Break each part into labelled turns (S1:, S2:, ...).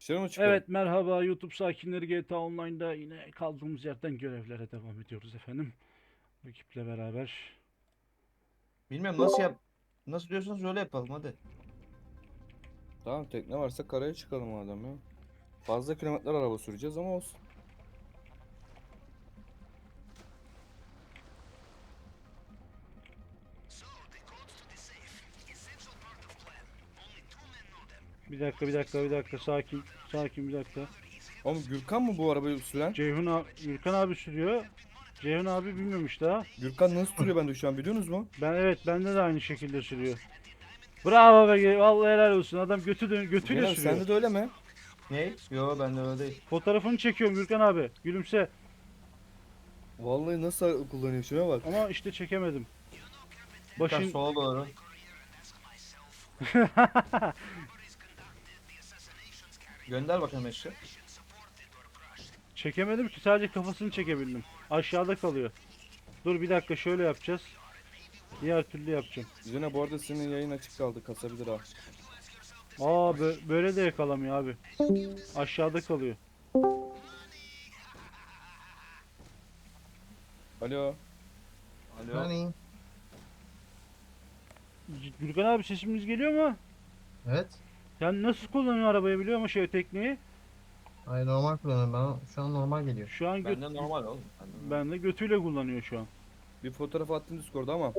S1: Dışarı mı çıkalım?
S2: Evet, merhaba YouTube sakinleri, GTA Online'da yine kaldığımız yerden görevlere devam ediyoruz efendim. Ekiple beraber.
S3: Bilmiyorum nasıl yap. Nasıl diyorsanız öyle yapalım hadi.
S1: Tamam, tekne varsa karaya çıkalım madem ya. Fazla kilometre araba süreceğiz ama olsun.
S2: Bir dakika, sakin, sakin bir dakika.
S1: Oğlum Gürkan mı bu arabayı süren?
S2: Gürkan abi sürüyor. Ceyhun abi bilmemiş daha.
S1: Gürkan nasıl sürüyor bende şu an biliyorsunuz mu?
S2: Evet, bende de aynı şekilde sürüyor. Bravo be, vallahi helal olsun. Adam götüyle
S1: Ceylan abi
S2: sürüyor.
S1: sende de öyle mi?
S3: Ne? Yo ben de öyle değil.
S2: Fotoğrafını çekiyorum Gürkan abi. Gülümse.
S1: Vallahi nasıl kullanıyor şuna bak.
S2: Ama işte çekemedim.
S3: Birkaç
S2: Başın
S3: sola doğru. Gönder bakalım eşi.
S2: çekemedim ki, sadece kafasını çekebildim. Aşağıda kalıyor. Dur bir dakika, şöyle yapacağız. Diğer türlü yapacağım.
S1: Ceylan bu arada senin yayın açık kaldı, kasabilir ha.
S2: Böyle de yakalamıyor abi. Aşağıda kalıyor.
S1: Alo.
S3: Alo.
S4: Hani?
S2: Gürkan abi, sesimiz geliyor mu?
S4: Evet.
S2: Sen nasıl kullanıyorsun arabayı, biliyor musun tekneyi?
S4: Hayır, normal kullanıyorum. Bana şu an normal geliyor.
S2: Şu an
S3: Bende normal oğlum. Bende normal.
S2: ben de götüyle kullanıyor şu an.
S1: Bir fotoğraf attım Discord'a ama.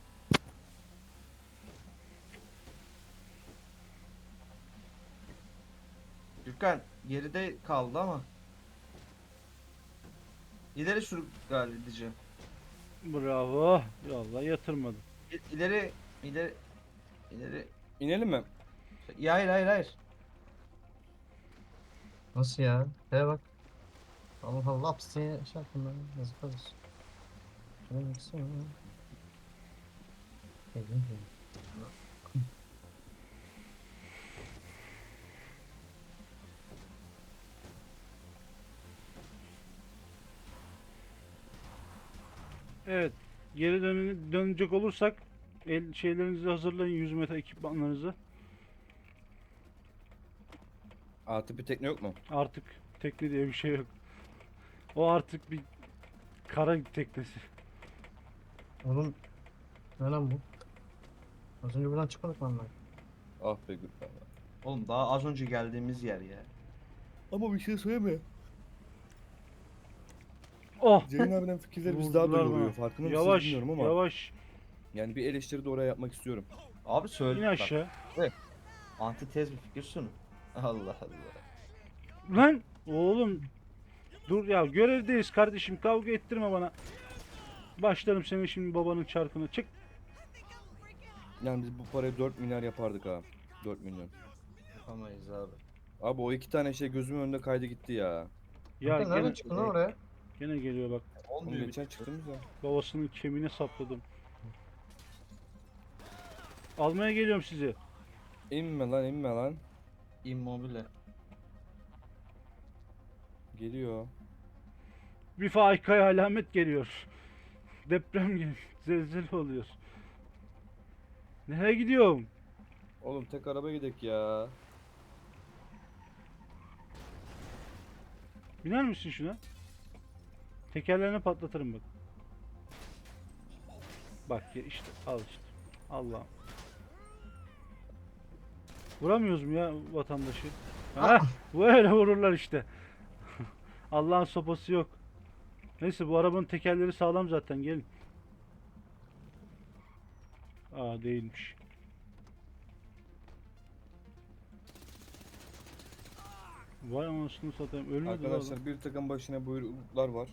S3: Gürkan geride kaldı ama. İleri sür galiba diyeceğim.
S2: Bravo. Vallahi yatırmadım.
S3: İleri ileri ileri.
S1: İnelim mi?
S3: Ya hayır hayır hayır.
S4: Nasıl ya? Şeye bak. Allah Allah laps diye şey yaptım ben. Yazık olsun. Şuna baksana. Geldim ki.
S2: Evet. Dönecek olursak şeylerinizi hazırlayın, 100 metre ekipmanlarınızı.
S1: Artı bir tekne yok mu?
S2: Artık tekne diye bir şey yok. O artık bir kara teknesi.
S4: Oğlum ne lan bu? Az önce buradan çıkmadık mı lan?
S1: Ah be Gürkan.
S3: Oğlum daha az önce geldiğimiz yer ya.
S1: Ama bir şey söyleme.
S2: Oh!
S1: Ceylan abinin fikirleri biz daha
S2: Vurdular
S1: böyle oluyor.
S2: bana.
S1: Farkında mısınız
S2: Yavaş,
S1: bilmiyorum ama.
S2: yavaş.
S1: Yani bir eleştiri de oraya yapmak istiyorum.
S3: Abi
S2: İn
S3: söyle bak.
S2: aşağı.
S3: Evet. Antitez bir fikir sun. Allah Allah.
S2: Lan! Oğlum, dur ya, görevdeyiz kardeşim, kavga ettirme bana. Başlarım senin şimdi babanın çarkına. Çık.
S1: Yani biz bu parayı 4 milyar yapardık ha. 4 milyon.
S3: Yapamayız abi.
S1: Abi o iki tane şey gözümün önünde kaydı gitti ya.
S2: Ya
S4: Kanka nereden
S2: gene
S4: çıktın lan oraya?
S2: gene geliyor bak.
S1: Oğlum
S3: Olmuyor
S1: geçen çıktığımız ya.
S2: Babasının kemiğine sapladım. Almaya geliyorum sizi.
S1: İnme lan inme lan.
S3: immobile.
S1: Geliyor.
S2: Bir faikaya alamet geliyor. Deprem geliyor. Zelzele oluyor. Nereye gidiyorum?
S1: Oğlum tek araba gidek ya.
S2: Biner misin şuna? Tekerlerini patlatırım bak. Bak ya, işte al işte. Allah'ım. Vuramıyoruz mu ya vatandaşı? Ha, böyle vururlar işte. Allah'ın sopası yok. Neyse, bu arabanın tekerleri sağlam zaten, gelin. Aa, değilmiş. Vay anasını satayım, ölmedi lan adam.
S1: Arkadaşlar bir takım başına buyruklar var.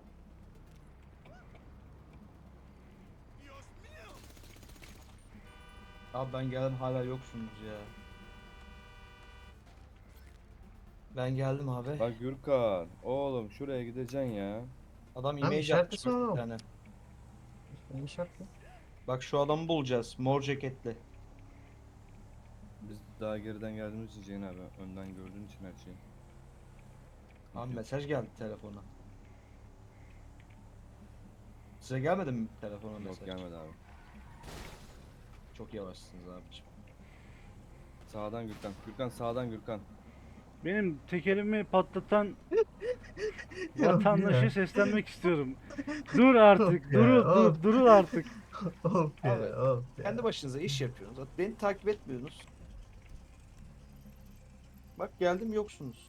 S3: Abi ben geldim hala yoksunuz ya. Ben geldim abi.
S1: Bak Gürkan. Oğlum şuraya gideceksin ya.
S3: Adam
S4: Lan
S3: imece
S4: işaretlesene
S3: atmış bir
S4: oğlum.
S3: tane.
S4: Ne şarkı?
S3: Bak şu adamı bulacağız. Mor ceketli.
S1: Biz daha geriden geldiğimiz için Ceyhun abi. Önden gördüğün için her şeyi.
S3: Abi mesaj geldi telefona. Size gelmedi mi telefona
S1: Yok
S3: mesaj?
S1: gelmedi abi.
S3: Çok yavaşsınız abiciğim.
S1: Sağdan Gürkan. Gürkan sağdan Gürkan.
S2: Benim tekerimi patlatan
S4: Yok
S2: vatandaşı
S4: ya.
S2: seslenmek istiyorum. Dur artık.
S4: Of ya, of.
S2: Durun artık.
S4: Of
S3: Abi
S4: ya, of
S3: kendi
S4: ya.
S3: başınıza iş yapıyorsunuz. Beni takip etmiyorsunuz. Bak geldim yoksunuz.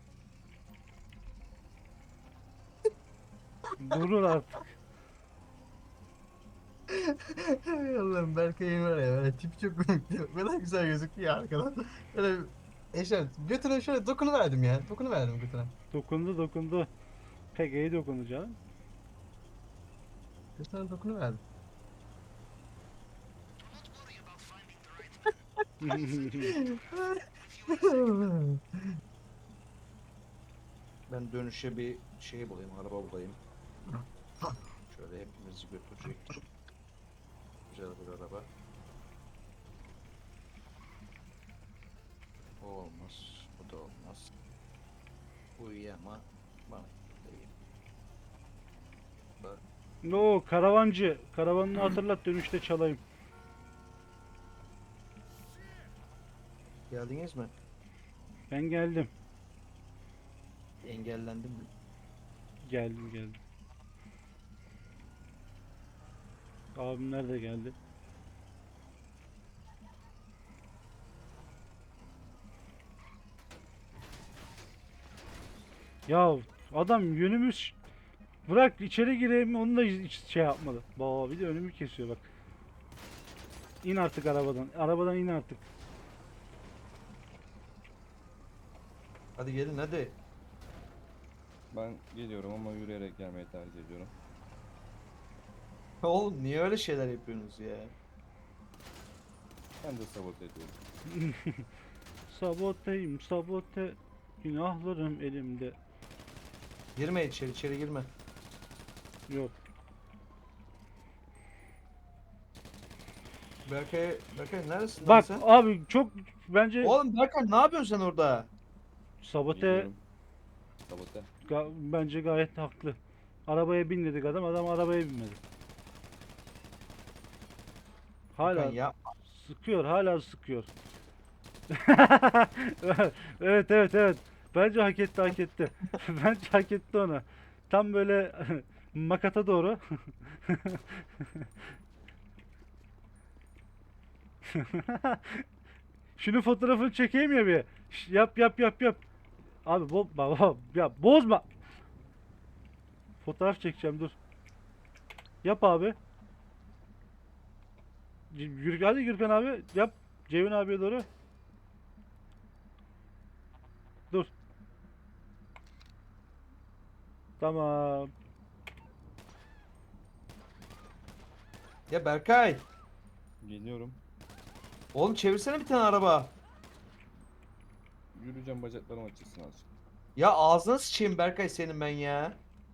S2: Durun artık.
S4: Ey Allah'ım, Berkay'ın var ya, böyle tipi çok komikti. O kadar güzel gözüküyor ya arkadan. Böyle eşer götüne şöyle dokunuverdim ya. Dokunuverdim götüne.
S2: Dokundu. Pek iyi dokundu canım.
S4: Götüne dokunuverdim.
S3: Ben dönüşe bir şey bulayım, araba bulayım. Şöyle hepimizi götürecek. Güzel bir araba. O olmaz, bu da olmaz. Bu iyi ama bana değil.
S2: No, karavancı. Karavanını hatırlat, dönüşte çalayım.
S3: Geldiniz mi?
S2: Ben geldim.
S3: Engellendim mi?
S2: Geldim. Abimler de geldi. Ya adam yönümüz, bırak içeri gireyim, onu da hiç şey yapmadı. Baba bir de önümü kesiyor bak. İn artık arabadan. Arabadan in artık.
S3: Hadi gelin hadi.
S1: Ben geliyorum ama yürüyerek gelmeyi tercih ediyorum.
S3: Oğlum niye öyle şeyler yapıyorsunuz ya?
S1: Ben de sabote ediyorum.
S2: Saboteyim, sabote. Günahlarım elimde.
S3: Girme içeri girme.
S2: Yok.
S3: Berkay neresin lan
S2: Bak
S3: sen?
S2: abi çok bence
S3: Oğlum Berkay ne yapıyorsun sen orada?
S2: sabote,
S1: Geliyorum. Sabote.
S2: bence gayet haklı. Arabaya bin dedik adam arabaya binmedi. Hala
S3: Berkay ya.
S2: hala sıkıyor. Evet. Bence hak etti. Bence hak etti onu. Tam böyle makata doğru. Şunu fotoğrafını çekeyim ya bir. Yap. Abi baba ya bozma. Fotoğraf çekeceğim, dur. Yap abi. Hadi Gürkan abi yap. Ceyhun abiye doğru. Dur. Tamam.
S3: Ya Berkay.
S1: Geliyorum.
S3: Oğlum çevirsene bir tane araba.
S1: Yürüyeceğim, bacaklarım açılsın azıcık.
S3: Ya ağzına sıçayım Berkay senin ben ya.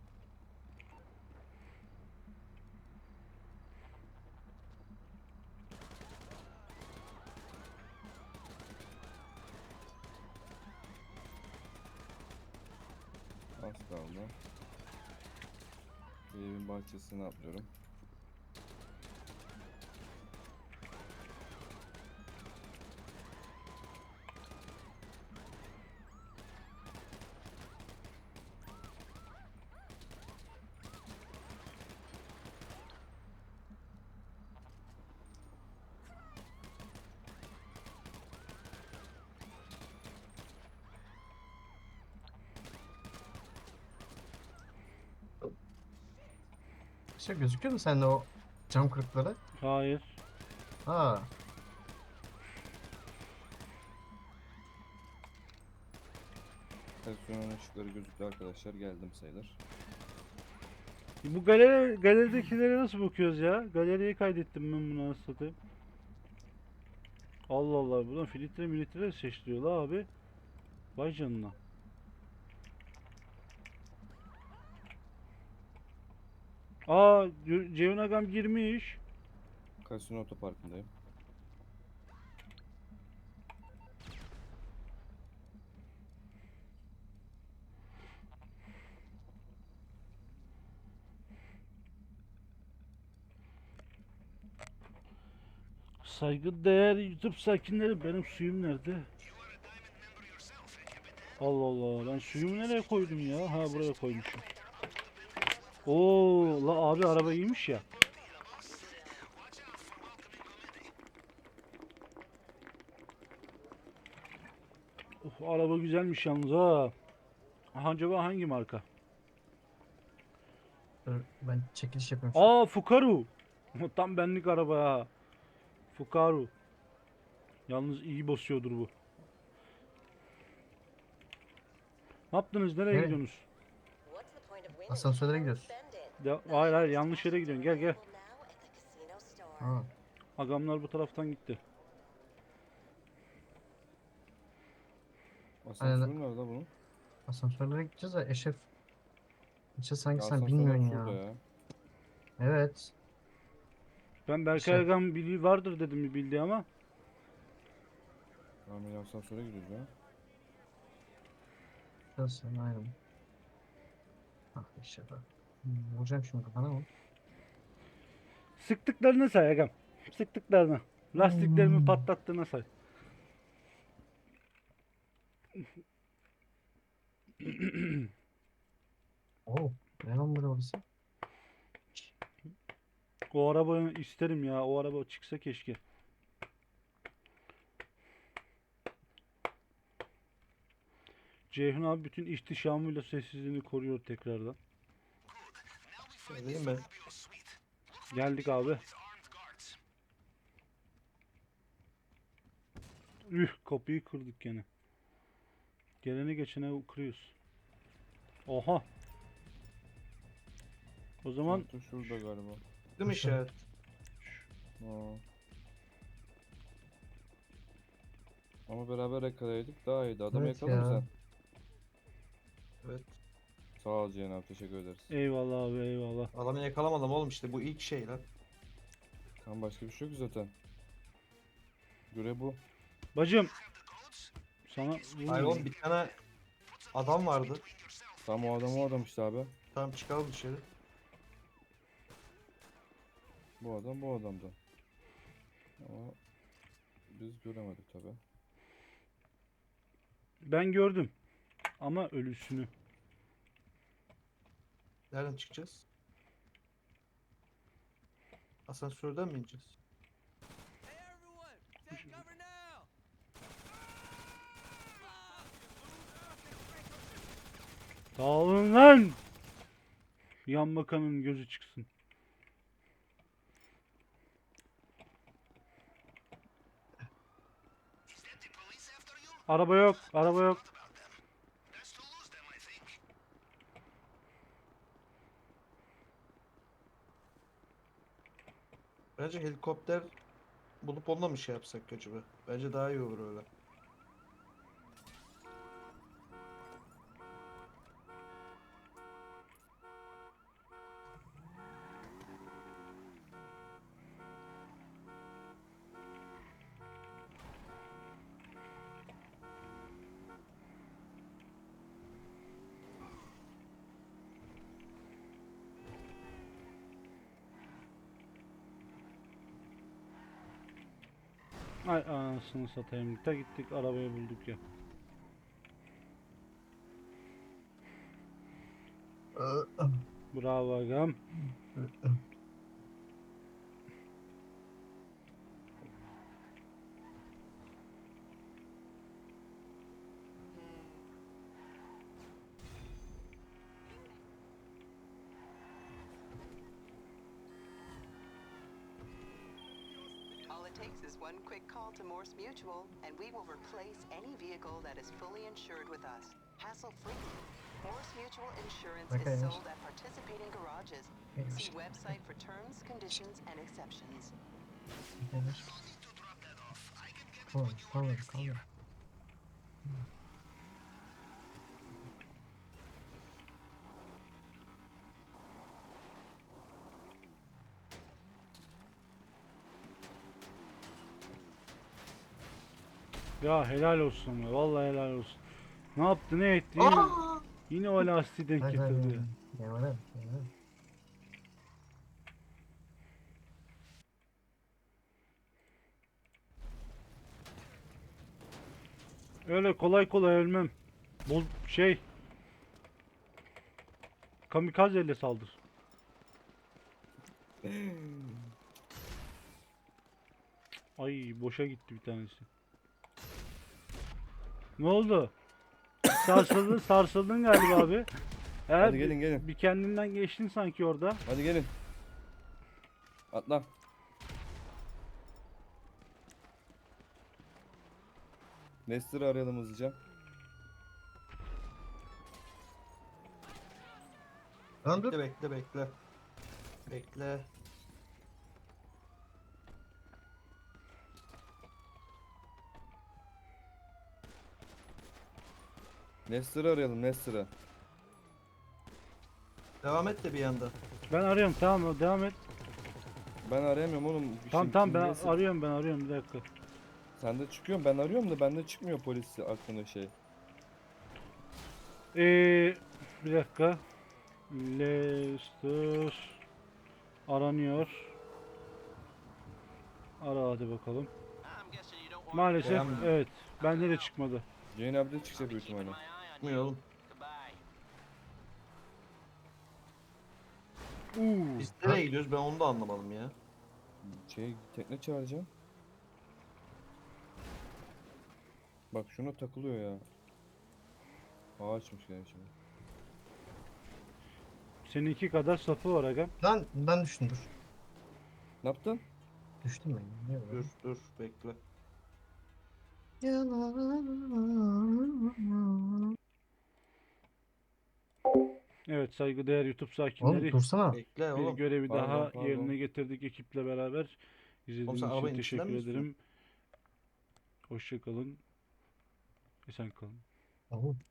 S1: Az kaldı. Evin bahçesine atlıyorum.
S4: Şey gözüküyor mu sende o cam kırıkları?
S2: Hayır.
S4: Ha.
S1: Televizyonun ışıkları gözüktü arkadaşlar. Geldim sayılır.
S2: Bu galeridekilere nasıl bakıyoruz ya? Galeriyi kaydettim ben, bunu nasıl satayım? Allah Allah, buradan filtre seçtiriyor la abi. Vay canına. Aa, Ceyhun Agam girmiş.
S1: Kasino otoparkındayım.
S2: Saygıdeğer YouTube sakinleri, benim suyum nerede? Allah Allah. Ben suyumu nereye koydum ya? Ha, buraya koymuşum. Oo, la abi araba iyiymiş ya. Araba güzelmiş yalnız ha. Acaba hangi marka?
S4: Dur, ben çekiliş yapıyorum şu an.
S2: Fukaru. Tam benlik araba ya. Fukaru. Yalnız iyi basıyordur bu. Ne yaptınız? Nereye
S4: Nereye?
S2: gidiyorsunuz?
S4: Asansörlere gidiyoruz.
S2: Hayır hayır, yanlış yere gidiyorsun. Gel gel.
S4: Ha.
S2: Agamlar bu taraftan gitti.
S1: Asansör nerede bunun?
S4: Asansörlere gideceğiz de Eşref. İşte sanki
S1: Ya
S4: sen
S1: asansör
S4: bilmiyorsun
S1: şurada
S4: ya.
S1: ya.
S4: Evet.
S2: Ben Berkay
S4: Şey-
S2: Agam bildiği vardır dedim bir bildiği ama.
S1: Tamam ya, asansöre gidiyoruz ya.
S4: Şurası ayrı. Ah Eşref abi. Vuracağım şimdi kafana mı?
S2: Sıktıklarını say Agam. Sıktıklarını. Lastiklerimi
S4: Hmm.
S2: patlattığına say.
S4: Oo. Ne lan burada orası?
S2: O arabayı isterim ya. O araba çıksa keşke. Ceyhun abi bütün ihtişamıyla sessizliğini koruyor tekrardan.
S3: Değil mi?
S2: Geldik abi. Kapıyı kırdık gene. Gelene geçene kırıyoruz. Oha. O zaman
S1: Asansör şurada galiba.
S3: Değil mi işaret?
S1: Aa. Ama beraber yakalayaydık daha iyiydi. Adamı
S4: Evet
S1: yakaladın mı
S4: ya.
S1: sen?
S3: Evet.
S1: Sağ ol Cihan abi, teşekkür ederiz.
S2: eyvallah abi eyvallah.
S3: Adamı yakalamadım oğlum, işte bu ilk şey lan.
S1: Tam başka bir şey yok zaten. Görev bu.
S2: Bacım. Sana
S3: Hayır oğlum, bir tane adam vardı.
S1: Tam o adam işte abi.
S3: Tamam, çıkalım dışarı.
S1: Bu adam da. Ama biz göremedik tabi.
S2: Ben gördüm. Ama ölüsünü.
S3: Nereden çıkacağız? Asansörden mi ineceğiz?
S2: Dağılın lan. Yan bakanın gözü çıksın. Araba yok. Araba yok.
S3: Bence helikopter bulup onunla mı şey yapsak acaba? Bence daha iyi olur öyle.
S2: Ay anasını satayım. Ta gittik arabayı bulduk ya. Bravo agam.
S5: All it takes is one quick call to Morse Mutual, and we will replace any vehicle that is fully insured with us, hassle-free. Morse Mutual Insurance
S4: Okay.
S5: is sold at participating garages. See website for terms, conditions, and exceptions.
S4: Kaldır.
S2: Ya helal olsun ya. Vallahi helal olsun. Ne yaptı ne etti? Yine o lastiği denk
S4: Hayır hayır.
S2: getirdi.
S4: Yavaş.
S2: Öyle kolay kolay ölmem. Bu şey kamikaze ile saldır. Ay boşa gitti bir tanesi. Ne oldu? Sarsıldın galiba abi.
S1: Hadi gelin, gelin.
S2: Bir kendinden geçtin sanki orada.
S1: Hadi gelin. Atla. Nestor'u arayalım hızlıca.
S4: Lan dur.
S3: Bekle. Bekle.
S1: Nestor'u arayalım, Nestor'u.
S3: Devam et de bir yanda.
S2: Ben arıyorum, tamam devam et.
S1: Ben arayamıyorum oğlum. Bir
S2: Tamam
S1: şey-
S2: tamam ben
S1: kimliğe-
S2: arıyorum bir dakika.
S1: Sen de çıkıyorsun, ben arıyorum da bende çıkmıyor polis hakkında şey.
S2: Bir dakika. Lester aranıyor. Ara hadi bakalım. Maalesef
S3: Beğenmedim.
S2: evet. Bende de çıkmadı.
S1: Jane abi de çıkacak büyük ihtimalle.
S3: Çıkmıyor oğlum. Biz nereye gidiyoruz ben onu da anlamadım ya.
S1: Şey, tekne çağıracağım. Bak şuna takılıyor ya. Ağaçmış yani şimdi.
S2: Seninki kadar sapı var aga.
S4: Lan ben düştüm dur.
S1: Ne yaptın?
S4: Düştüm ben. Ne
S3: Dur dur bekle.
S2: Evet saygıdeğer YouTube
S4: Oğlum
S2: sakinleri.
S4: dursana.
S3: Bekle
S2: Bir
S3: oğlum.
S2: görevi
S1: Pardon,
S2: daha
S1: pardon.
S2: yerine getirdik ekiple beraber. İzlediğiniz
S3: sen
S2: için
S3: arabanın içinden
S2: teşekkür
S3: mi
S2: ederim. Hoşça kalın. Esen kalın.
S4: Oğlum